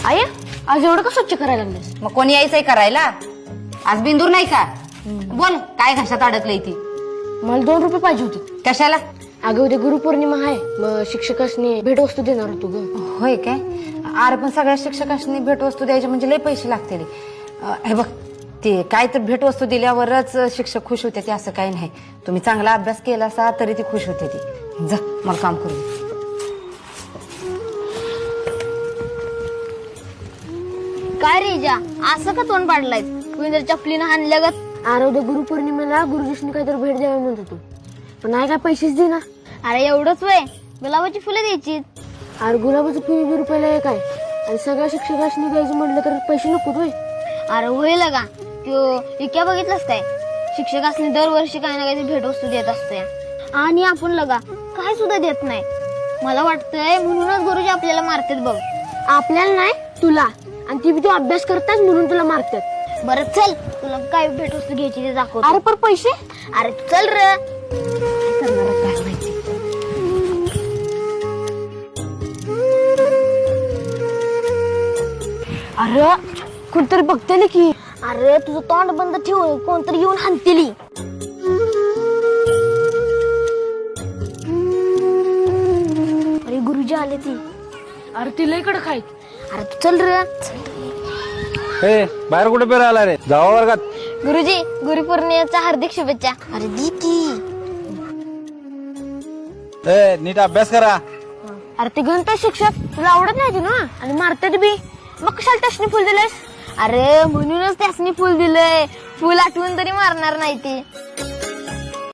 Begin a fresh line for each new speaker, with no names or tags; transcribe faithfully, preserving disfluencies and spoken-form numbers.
आई आज एवढं का स्वच्छ करायला लागलेस?
मग कोणी यायचंय करायला? आज बिंदूर नाही का? बोल काय घशात अडकलंय ती?
मला दोन रुपये पाहिजे होते.
कशाला?
अगं उद्या गुरुपौर्णिमा आहे, मग शिक्षकांनी भेटवस्तू देणार होतो ग.
होय काय? अरे पण सगळ्या शिक्षकांनी भेटवस्तू द्यायचे म्हणजे लय पैसे लागतील. हे बघ ते काय तर भेटवस्तू दिल्यावरच शिक्षक खुश होते ते असं काही नाही. तुम्ही चांगला अभ्यास केला असा तरी ती खुश होते ती. जा मला काम करू.
काय रे जा असं का तोंड पाडलाय? कुणी चपलीनं हाणल्या गत.
अरे उद्या गुरुपौर्णिमेला गुरुजींनी काहीतरी भेट द्यावी म्हणत होतो, पण नाही काय पैसेच दे ना.
अरे एवढंच वय गुलाबाची फुलं द्यायची.
अरे गुलाबाचं फी वीस रुपयाला एक आहे आणि सगळ्या शिक्षकांनी द्यायचं म्हटलं तर पैसे नको होय.
अरे होईल का त्यो इक्या बघितलंस काय? शिक्षकांनी दरवर्षी काही ना काही भेटवस्तू देत असते आणि आपण लगा काय सुद्धा देत नाही. मला वाटतंय म्हणूनच गुरुजी आपल्याला मारतात बघ.
आपल्याला नाही तुला, आणि ती तू अभ्यास करताच म्हणून तुला मारतात.
बरं चल तुला काय भेटवस्तू घ्यायची ते दाखव.
अरे पण पैसे?
अरे चल रे.
काय करणार काय माहिती.
अरे कोणतरी बघते की.
अरे तुझं तोंड बंद ठेव, कोणतरी येऊन हाणतेली. अरे गुरुजी आले ती.
अरे ती लय कडक आहेत.
अरे तू चल रे.
ए बाहेर कुठे पेरा आला रे? जावा वर्गात.
गुरुजी गुरुपौर्णिमेच्या हार्दिक शुभेच्छा. अरे दीदी
ए नीट अभ्यास करा.
अरे ते गणित शिक्षक तुला आवडत नाही ना आणि मारतात बी, मग कशाला त्यासनी फुल दिलेस?
अरे म्हणूनच त्यासनी फुल दिलंय. फुल आठवून तरी मारणार नाही ते.